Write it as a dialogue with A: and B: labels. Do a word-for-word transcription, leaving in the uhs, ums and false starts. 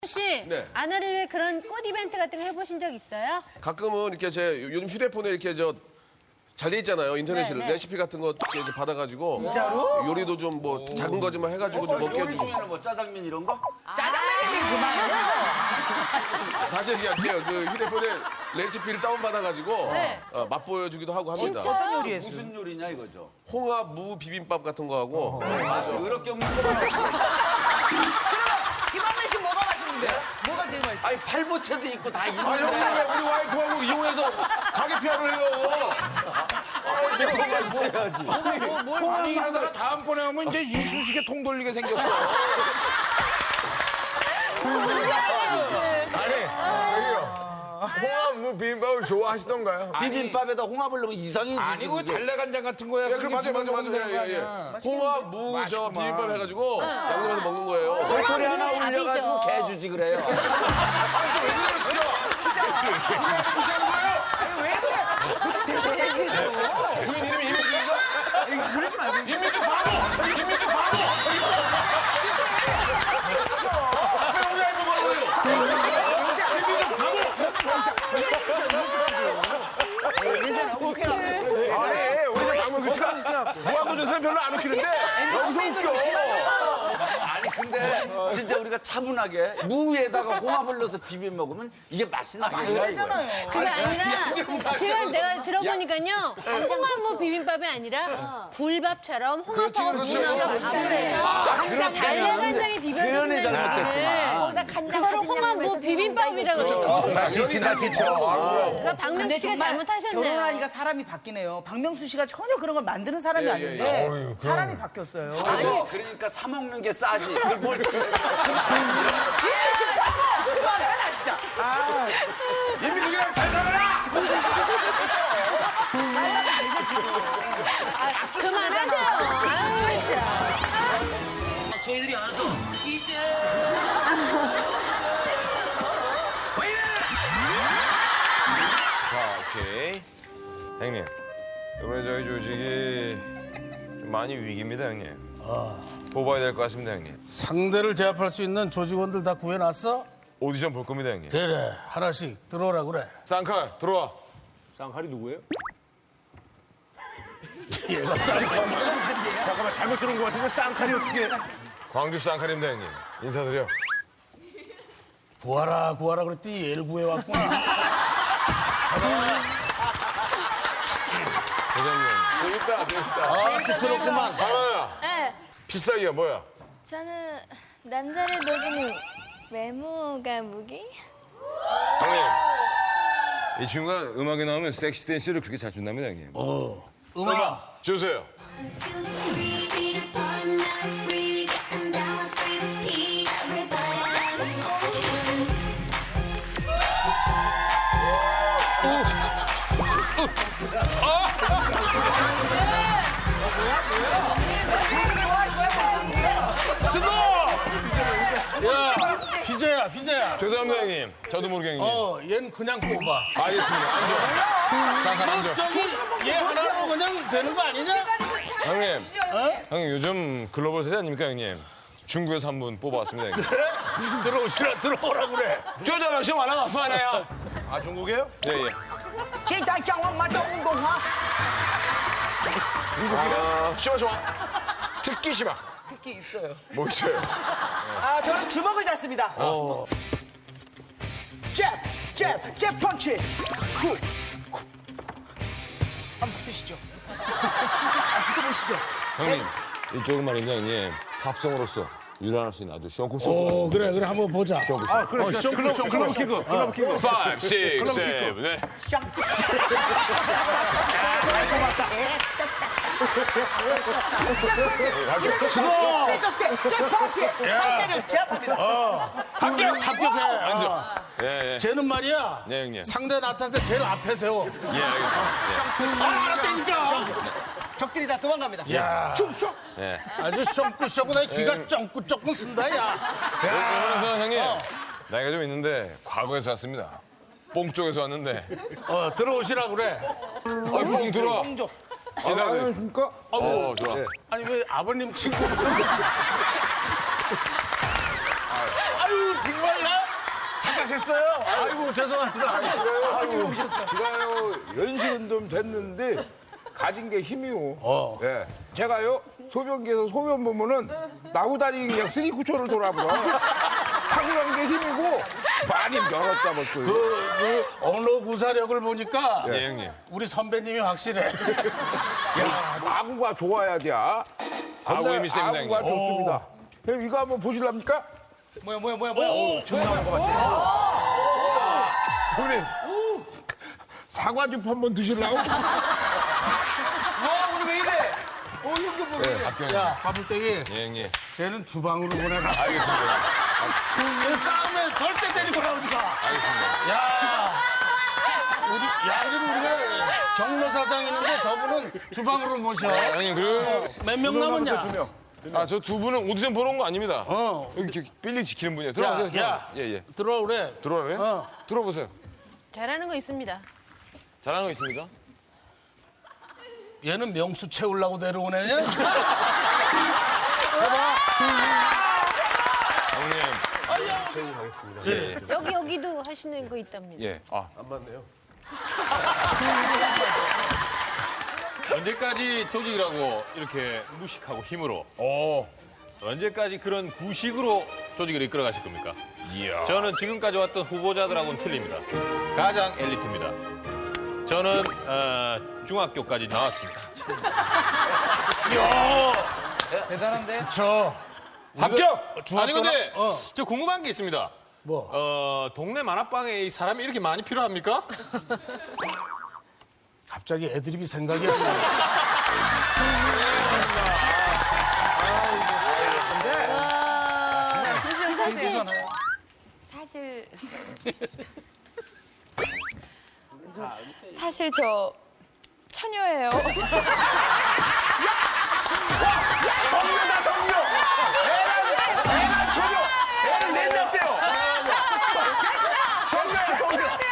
A: 씨,
B: 네.
A: 아내를 위해 그런 꽃 이벤트 같은 거 해보신 적 있어요?
B: 가끔은 이렇게 제 요즘 휴대폰에 이렇게 저 잘 돼 있잖아요. 인터넷으로
A: 네, 네.
B: 레시피 같은 거 이렇게 이제 받아가지고 진짜로? 요리도 좀 뭐 작은 거지만 해가지고 좀 먹게
C: 요리
B: 해주고
C: 중에는 뭐 짜장면 이런 거?
B: 다시 얘기할게요. 그 휴대폰에 레시피를 다운 받아가지고
A: 네.
B: 어, 맛보여주기도 하고 합니다.
A: 진짜요?
D: 요리했어요?
C: 무슨 요리냐 이거죠?
B: 홍합 무 비빔밥 같은 거 하고
C: 그렇게 없는 거
D: 김한배 씨 뭐가 맛있는데? 뭐가 제일 맛있어?
C: 아니 팔보채도 있고 다
B: 아 형님 왜 우리 와이프하고 이용해서 가게 피아를 해요?
C: 있어야지.
E: 아니 이러다가 다음번에 오면 이제 이쑤시개 통 돌리게 생겼어.
F: 홍합 무 비빔밥을 좋아하시던가요?
C: 비빔밥에다 홍합을 넣으면 이상해지지.
E: 아니고
C: 그게.
E: 달래간장 같은 거야.
B: 예, 그럼 맞아요, 맞아요, 맞아요. 예, 예. 홍합 무 저 비빔밥 해가지고 양념해서 먹는 거예요.
C: 도토리 하나
A: 밥이죠.
C: 올려가지고 개 주지 그래요.
B: 왜 그래요, 진짜? 무시하는 거예요? 부인 이름이 임민규인가?
D: 그러지 말고.
B: 임민규 바보! 임민규 바보! 왜 우리 와이프 뭐라고 해요? 임민규 바보!
F: 아니, 우리 박명수 씨가 무한도전에서 별로 안 웃기는데 여기서 웃겨.
C: 아니 근데 진짜 우리가 차분하게 무에다가 홍합을 넣어서 비벼 먹으면 이게 맛이 나겠어요.
A: 그게 아니라 지금 내가 들어보니까요 홍합무 비빔밥이 아니라 굴밥처럼 홍합하고
B: 그렇지,
A: 문어가
B: 그렇지.
A: 밥을 해서 달래간장에 비벼주신다는 얘기를 그거를 홍합무 비빔밥이라고 그래요.
F: 다시 친다, 지쳐.
A: 그러니까 박명수 씨가 잘못하셨네요.
D: 결혼하니까 사람이 바뀌네요. 박명수 씨가 전혀 그런 걸 만드는 사람이
B: 예, 예,
D: 아닌데
F: 예.
D: 사람이 바뀌었어요.
C: 그거 그러니까 사 먹는 게 싸지. 그걸 뭘 그만해라 진짜.
B: 임민규랑 잘 살아라!
A: 아, 그만하세요. 아유, 참.
G: 저희들이 알아서 이제
F: 자, 오케이. 형님, 이번에 저희 조직이 좀 많이 위기입니다, 형님. 뽑아야 될 것 같습니다, 형님.
H: 상대를 제압할 수 있는 조직원들 다 구해놨어?
F: 오디션 볼 겁니다, 형님.
H: 그래, 하나씩 들어오라 그래.
F: 쌍칼, 들어와.
E: 쌍칼이 누구예요?
H: 얘가 쌍칼.
F: 잠깐만, 잘못 들은 것 같은데 쌍칼이 어떻게. 광주 쌍칼입니다, 형님. 인사드려.
H: 구하라, 구하라 그랬더니 얘를 구해왔고.
F: 대장님.
B: 재밌다, 재밌다.
H: 아, 쑥스럽구만.
F: 하나야,
A: 네.
F: 필살기가 뭐야?
I: 저는 남자를 녹이는 외모가 무기?
F: 형님. 이 친구가 음악에 나오면 섹시 댄스를 그렇게 잘 준답니다, 형님.
H: 어, 음악.
F: 주세요.
H: 야, 휘재야, 휘재야.
F: 죄송합니다, 형님. 저도 모르게 형님.
H: 어, 얜 그냥 뽑아.
F: 알겠습니다. 앉아. 쌍칼 앉아.
H: 저기, 얘 하나로 그냥 되는 거 아니냐?
F: 형님, 형님 요즘 글로벌 세대 아닙니까, 형님? 중국에서 한 분 뽑아왔습니다, 형님.
H: 들어오시라, 들어오라 그래.
F: 쪼자라 시험 안 하면 아파하네요.
E: 아 중국이에요?
F: 예, 예. 아, 시마, 시마. 특기 시마.
D: 특히 있어요.
F: 뭐 있어요?
D: 아, 저는 주먹을 잡습니다. 잽, 잽, 잽 펀치. 쿡, 쿡. 한번 붙으시죠. 붙어보시죠.
F: 형님, 이쪽은 말입니다, 형님. 팝송으로서 유란할 수 있는 아주 쇼쿠쇼.
H: 어, 그래, 그래, 한번 보자.
F: 쇼쿠쇼.
H: 그래, 어, 쇼크, 쇼크,
F: 클럽 키크, 클럽 키크. five, six, seven, 네.
H: 수고!
D: 빼줬을 때, 잽 펀치. 상대를 제압합니다.
H: 합격! 합격해.
F: 앉아. 예, 예.
H: 쟤는 말이야.
F: 네, 형님.
H: 상대 나타날 때 제일 앞에 세워.
F: 예, 알겠습니다.
H: 아, 알았다니까!
D: 적들이 다 도망갑니다.
H: 야,
F: 예.
H: 아주 쫑꾸쫑꾸 내 귀가 쫑꾸쫑꾸 쓴다, 야.
F: 그래서 형님, 나이가 좀 있는데 과거에서 왔습니다. 뽕 쪽에서 왔는데.
H: 어, 들어오시라 그래.
F: 어, 뽕 들어와. 인사드려. 어, 좋아.
H: 아니, 왜 아버님 친구부터. 아유, 정말 나 됐어요? 아이고 죄송합니다. 아이고 제가요 연식은 좀 됐는데 가진 게 힘이요.
E: 어.
H: 예. 제가요 소변기에서 소변 보면은 나구다리 그냥 쓰리쿠초를 돌아버려. 타고난 게 힘이고 많이 멀었다 벌써. 그, 그 언어 구사력을 보니까
F: 네, 형님.
H: 우리 선배님이 확실해. 야, 아구가 좋아야 돼.
F: 아구 힘이 셉니다,
H: 아구가
F: 형님.
H: 좋습니다. 형님 이거 한번 보실랍니까?
D: 뭐야 뭐야 뭐야 뭐야. 오, 처음 나온 것 같아.
H: 형님 사과즙 한번 드실라고?
D: 와 오늘 왜 이래? 어 이거 뭐?
F: 합격.
H: 야, 바불떼기
F: 예, 형님.
H: 쟤는 주방으로 보내라.
F: 알겠습니다.
H: 그 싸움에 절대 데리고 나오지 마.
F: 알겠습니다.
H: 야, 우리 야 그래도 우리가 경로 사상 있는데 저분은 주방으로 모셔.
F: 형님, 그.
H: 몇 명 남았냐? 두 명.
F: 아, 저 두 분은 오디션 보러 온 거 아닙니다.
H: 어.
F: 여기 이렇게 빌리 지키는 분이에요. 들어오세요.
H: 야, 야.
F: 예, 예.
H: 들어와 그래.
F: 들어와요?
H: 어.
F: 들어보세요.
A: 잘하는 거 있습니다.
F: 잘하는 거 있습니까?
H: 얘는 명수 채우려고 데려오네.
F: 형님.
A: 여기 여기도 하시는 거 있답니다.
F: 예. 아,
J: 언제까지 조직이라고 이렇게 무식하고 힘으로
F: 어.
J: 언제까지 그런 구식으로 조직을 이끌어 가실 겁니까? 저는 지금까지 왔던 후보자들하고는 틀립니다. 가장 엘리트입니다. 저는 어, 중학교까지 나왔습니다.
D: 대단한데?
H: 저
F: 합격!
J: 아니 근데
H: 어.
J: 저 궁금한 게 있습니다.
H: 뭐?
J: 어, 동네 만화방에 이 사람이 이렇게 많이 필요합니까?
H: 갑자기 애드립이 생각이 안 나.
A: 지선 씨,
I: 사실 사실 저 처녀예요.
H: 성녀다 성녀. 애가 애가 처녀. 애를 낸다 때요. 성녀야 성녀.